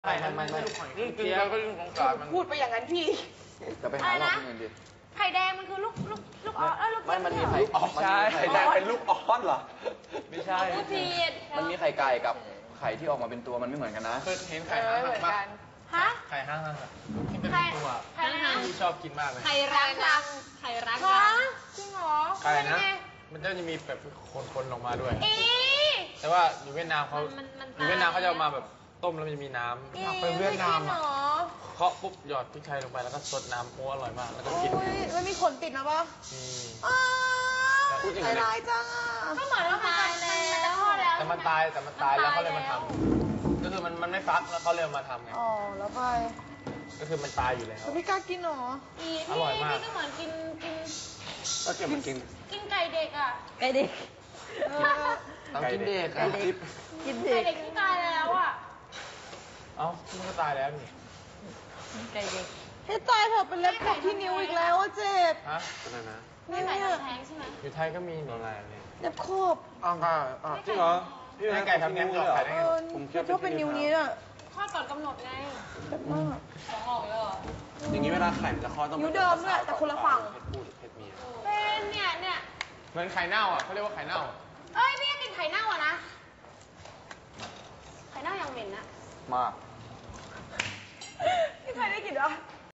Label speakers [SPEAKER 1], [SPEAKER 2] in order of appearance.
[SPEAKER 1] ไม่นี่กินแล้วก็ยิ่งสงสารมัน
[SPEAKER 2] พูดไปอย่างนั้นพี่
[SPEAKER 3] จะไปหาหลอกเงินดิ
[SPEAKER 4] ไข่แดงมันคือลูกออสลูกไม่
[SPEAKER 3] มันมีไข่
[SPEAKER 1] ใช่
[SPEAKER 3] ไข่แดงเป็นลูกออสเหรอ
[SPEAKER 1] ไม่ใช่
[SPEAKER 3] มันมีไข่ไก่กับไข่ที่ออกมาเป็นตัวมันไม่เหมือนกันนะ
[SPEAKER 1] เคยเห็นไข่ห้างหักปะ
[SPEAKER 4] ฮะ
[SPEAKER 1] ไข่ห้างหักที่เป็นตัวที่ชอบกินมากเลย
[SPEAKER 4] ไข่รังไข่รังจริงเหรอ
[SPEAKER 1] ไข่นะมันจะมีแบบคนๆลงมาด้วยแต่ว่าอยู่เวียดนามเขาจะเอามาแบบต้มแล้วมันจะมีน้ำไปเวียดนามอ่ะเคาะปุ๊บหยอดพริกไทยลงไปแล้วก็ซดน้ำโอ้อร่อยมากแล้วก็กิน
[SPEAKER 2] มันมีขนติดนะปะ
[SPEAKER 3] พูดจริง
[SPEAKER 2] เลยตายจัง
[SPEAKER 4] ก็เหมือนว่ามันจะคลอดแล้ว
[SPEAKER 1] แต่มันตายแล้วเขาเลยมาทำก็คือมันไม่ฟักแล้วเขาเลยมาทำไง
[SPEAKER 2] อ๋อแล้วไป
[SPEAKER 1] ก็คือมันตายอยู่แล้ว
[SPEAKER 2] ไม่กล้ากินหรอ
[SPEAKER 4] อร่อยมากพี่ก็เหมือนกิน
[SPEAKER 3] ก็เก็บมันกิน
[SPEAKER 4] ไก่เด็กอ่ะ
[SPEAKER 2] ไก่เด็ก
[SPEAKER 3] ต้องกินเด็ก
[SPEAKER 2] กิน
[SPEAKER 4] ไก่เด็กที่ตายแล้วอ่ะ
[SPEAKER 1] เอ้ามันก็ตายแล้วนี่
[SPEAKER 2] ไก่เด็กให้ตายเถอะเป็นเล็บขบที่นิ้วอีกแล้วเจ็บ
[SPEAKER 1] ฮะอะไรนะ
[SPEAKER 4] ไม่ไก่ทำแท้งใช่ไหม
[SPEAKER 1] อยู่ไทยก็มีนี่อะไรเนี่ย
[SPEAKER 2] เล็บขบ
[SPEAKER 3] จริงเหรอ
[SPEAKER 1] พี่ไก่ทำแท้งเหรอไก่ได้ไง
[SPEAKER 2] ผมชอบเป็นนิ้วนี้อ่ะ
[SPEAKER 4] คลอดก่อนกำหนดไง
[SPEAKER 2] แบบมาก
[SPEAKER 4] ของออกเลยเหรอ
[SPEAKER 3] อย่างนี้เวลาไข่มันจะคลอดต้อง
[SPEAKER 2] นิ้วเดิมด้วยแต่คนละฝั่ง
[SPEAKER 4] เป็นเนี่ย
[SPEAKER 1] เหมือนไข่เน่าอ่ะเขาเรียกว่าไข่เน่า
[SPEAKER 4] เอ้ยพี่กินไข่เน่าอ่ะนะไข่เน่ายังเหม็นนะ
[SPEAKER 3] มาก
[SPEAKER 2] พี่เคยได้กินเหรอ